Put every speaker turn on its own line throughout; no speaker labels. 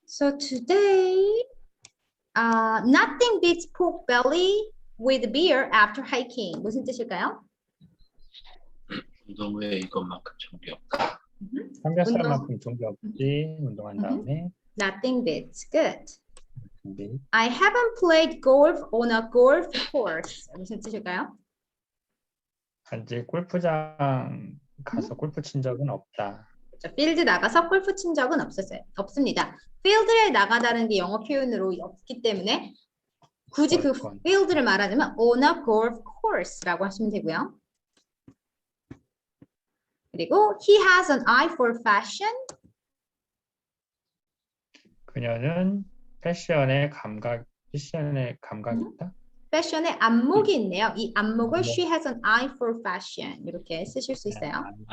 So today, nothing beats pork belly with beer after hiking. 무슨 뜻일까요?
운동 후에 이것만큼 정리 없다.
삼겹살만큼 종교 없지. 운동한 다음에.
Nothing beats. Good.
준비.
I haven't played golf on a golf course. 무슨 뜻일까요?
아직 골프장 가서 골프 친 적은 없다. 그녀는 패션에 감각이 있다.
패션에 안목이 있네요. 이 안목을 she has an eye for fashion 이렇게 쓰실 수 있어요.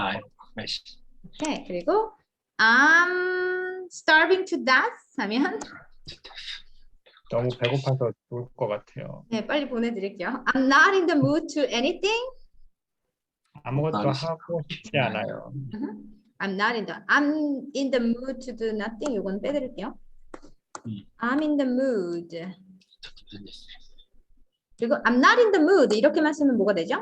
네, 그리고 I'm starving to death 하면
너무 배고파서 죽을 것 같아요.
네, 빨리 보내드릴게요. I'm not in the mood to anything.
아무것도 하고 싶지 않아요.
I'm in the mood to do nothing. 이건 빼드릴게요. I'm in the mood. 그리고 I'm not in the mood 이렇게만 쓰면 뭐가 되죠?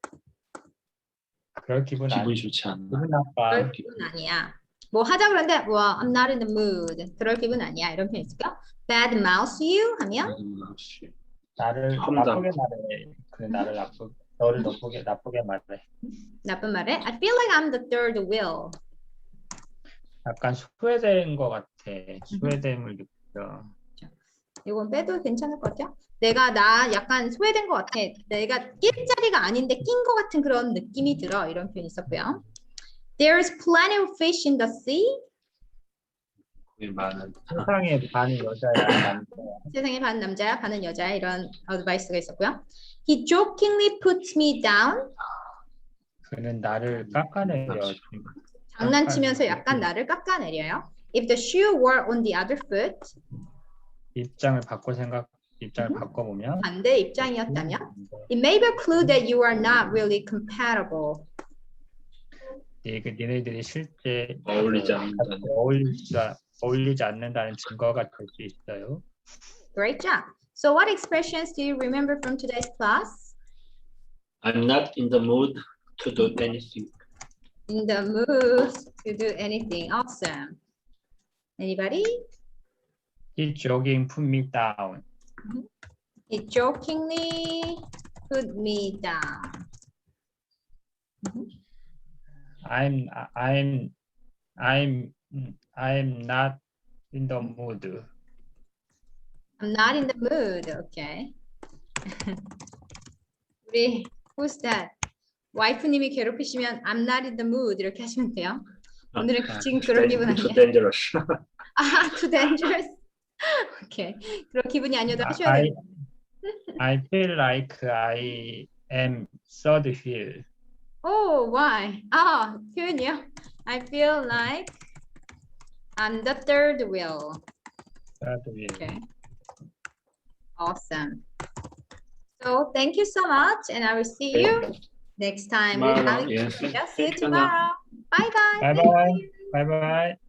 그럴 기분
기분이 좋지 않나.
기분 나빠.
그럴 기분 아니야. 뭐 하자 그러는데 뭐 I'm not in the mood. 그럴 기분 아니야. 이런 표현 있을까? Bad mouth you 하면
나를 나쁘게 말해. 그래 나를 너를 나쁘게 말해.
나쁜 말에 I feel like I'm the third wheel.
약간 소외된 것 같아. 소외됨을 느껴.
이건 빼도 괜찮을 것 같아요. 나 약간 소외된 것 같아. 내가 낄 자리가 아닌데 낀 것 같은 그런 느낌이 들어. 이런 표현이 있었고요. There's plenty of fish in the sea.
세상에 반이 여자야, 남자야.
세상에 반 남자야, 반은 여자야. 이런 어드바이스가 있었고요. He jokingly puts me down.
그는 나를 깎아내려.
장난치면서 약간 나를 깎아내려요. If the shoe were on the other foot.
입장을 바꿔보면
반대 입장이었다면 It may be a clue that you are not really compatible.
니네들이 실제 어울리지 않는다는 증거가 될 수 있어요.
Great job. So what expressions do you remember from today's class?
I'm not in the mood to do anything.
In the mood to do anything. Awesome. Anybody?
He jogging put me down.
He jokingly put me down.
I'm not in the mood.
I'm not in the mood. Okay. 우리 who's that? 와이프님이 괴롭히시면 I'm not in the mood 이렇게 하시면 돼요. 오늘은 지금 그런 기분 아니에요.
Too dangerous.
Too dangerous. 오케이. 그런 기분이 아니어도 하셔야 돼요.
I feel like I am third wheel.
Oh, why? 표현이요. I feel like I'm the third wheel.
Third wheel.
Okay. Awesome. So thank you so much, and I will see you next time.
Tomorrow, yes.
See you tomorrow. Bye, guys.
Bye bye. Bye bye.